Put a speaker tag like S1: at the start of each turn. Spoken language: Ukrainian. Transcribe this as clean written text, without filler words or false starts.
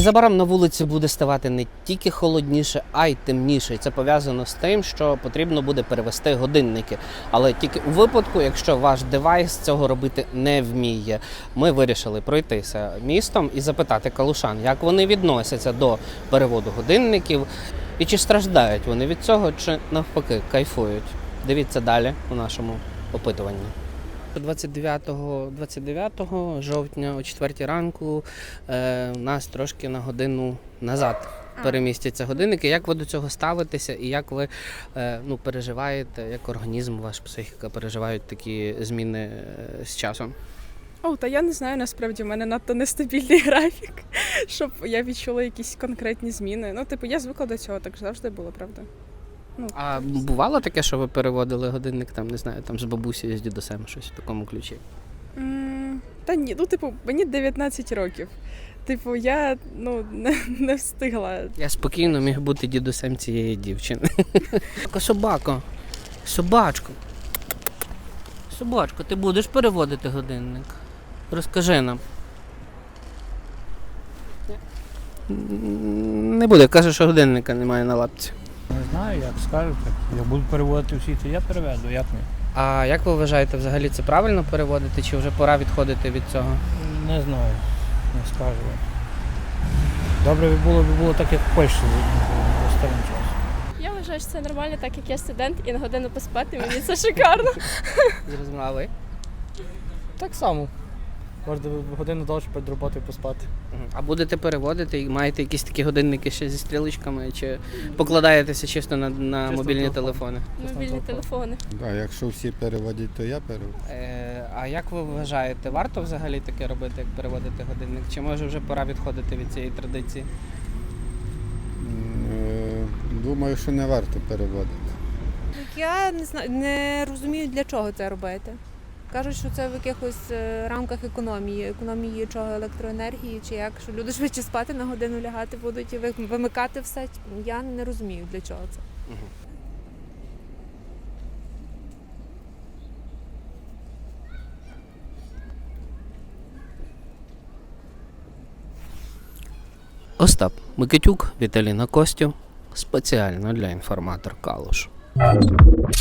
S1: Незабаром на вулиці буде ставати не тільки холодніше, а й темніше. І це пов'язано з тим, що потрібно буде перевести годинники. Але тільки у випадку, якщо ваш девайс цього робити не вміє. Ми вирішили пройтися містом і запитати калушан, як вони відносяться до переводу годинників і чи страждають вони від цього, чи навпаки кайфують. Дивіться далі у нашому опитуванні. 29 жовтня о 4 ранку у нас трошки на годину назад перемістяться годинники. Як ви до цього ставитеся і як ви переживаєте, як організм, ваша психіка переживають такі зміни з часом?
S2: Та я не знаю, насправді, в мене надто нестабільний графік, щоб я відчула якісь конкретні зміни. Я звикла до цього, так завжди було, правда.
S1: А бувало таке, що ви переводили годинник, з бабусею, з дідусем, щось в такому ключі?
S2: Та ні, мені 19 років. Я не встигла.
S1: Я спокійно міг бути дідусем цієї дівчини. Собачко, ти будеш переводити годинник? Розкажи нам. Не буде, каже, що годинника немає на лапці.
S3: Не знаю, як скажете. Я буду переводити всі, то я переведу, як не.
S1: А як ви вважаєте, взагалі це правильно переводити, чи вже пора відходити від цього?
S3: Не знаю, не скажу. Добре було так, як в Польщі останнім часом.
S4: Я вважаю, що це нормально, так як я студент і на годину поспати, мені це шикарно.
S1: Зрозуміла, а ви?
S5: Так само. Можна годину довше перед роботою поспати.
S1: А будете переводити і маєте якісь такі годинники ще зі стрілочками, чи покладаєтеся чисто на
S5: Чисто
S1: мобільні
S5: телефон.
S1: телефони?
S4: Мобільні телефони.
S6: Так, якщо всі переводять, то я переводжу.
S1: А як ви вважаєте, варто взагалі таке робити, як переводити годинник? Чи може вже пора відходити від цієї традиції?
S6: Думаю, що не варто переводити.
S7: Я не знаю, не розумію, для чого це робити. Кажуть, що це в якихось рамках економії чого, електроенергії, чи як, що люди швидше спати на годину лягати будуть і вимикати все. Я не розумію, для чого це.
S1: Остап Микитюк, Віталіна Костів. Спеціально для інформатор Калуш.